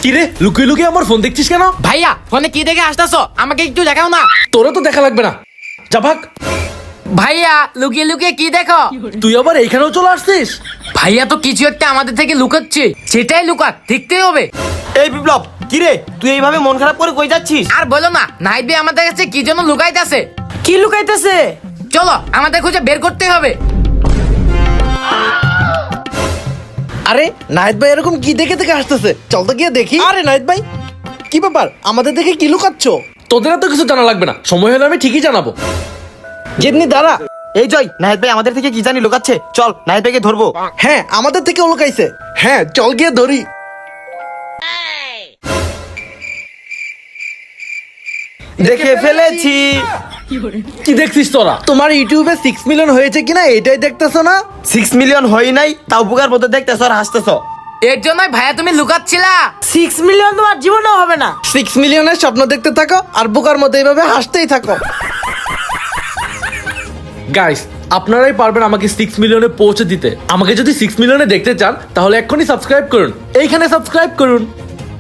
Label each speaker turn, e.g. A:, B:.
A: কিরে লুকিয়ে লুকিয়ে আমার ফোন দেখছিস কেন?
B: ভাইয়া ফোনে কি দেখে আসতেছো? আমাকে একটু দেখাও না।
A: তোরা তো দেখা লাগবে না, যা ভাগ।
B: ভাইয়া লুকিয়ে লুকিয়ে কি দেখো?
A: তুই আবার এইখানেও চলে আসছিস?
B: ভাইয়া তো কিছু একটা আমাদের থেকে লুকাচ্ছে, সেটাই লুকাক, দেখতেই হবে।
C: এই বিপ্লব, কি রে তুই এইভাবে মন খারাপ করে কই যাচ্ছিস?
B: আর বলো না, নাহিদ ভাই আমাদের কাছে কি জন্য লুকাইতেছে।
D: কি লুকাইতেছে?
B: চলো আমাদের খুঁজে বের করতে হবে।
E: আরে নাহিদ ভাই এরকম কি দেখে দেখে আসতেছে, চল তো গিয়ে দেখি। আরে নাহিদ ভাই কি ব্যাপার, আমাদের দেখে কি লুকাচ্ছ?
A: তোদের তো কিছু জানা লাগবে না, সময় হলে আমি ঠিকই জানাবো।
E: যেমনি দাঁড়া।
C: এই জয়, নাহিদ ভাই আমাদের থেকে কি জানি লুকাচ্ছে, চল নাহিদ ভাইকে ধরবো।
E: হ্যাঁ আমাদের থেকে লুকাইছে, হ্যাঁ চল গিয়ে ধরি।
C: দেখে ফেলেছি।
A: কি দেখছিস তোরা?
E: তোমার ইউটিউবে 6 মিলিয়ন হয়েছে কিনা এটাই দেখতেছো না?
C: 6 মিলিয়ন হয় নাই, তাও বুকার মতো দেখতেছ আর হাসতেছ।
B: এর জন্যই ভাইয়া তুমি লুকাচ্ছিলা।
D: 6 মিলিয়ন তোমার জীবনেও হবে না।
E: 6 মিলিয়নের স্বপ্ন দেখতে থাকো আর বোকার মতো এইভাবে হাসতেই থাকো।
A: গাইস, আপনারাই পারবেন আমাকে 6 মিলিয়নে পৌঁছে দিতে। আমাকে যদি 6 মিলিয়নে দেখতে চান তাহলে এক্ষুনি সাবস্ক্রাইব করুন, এইখানে সাবস্ক্রাইব করুন।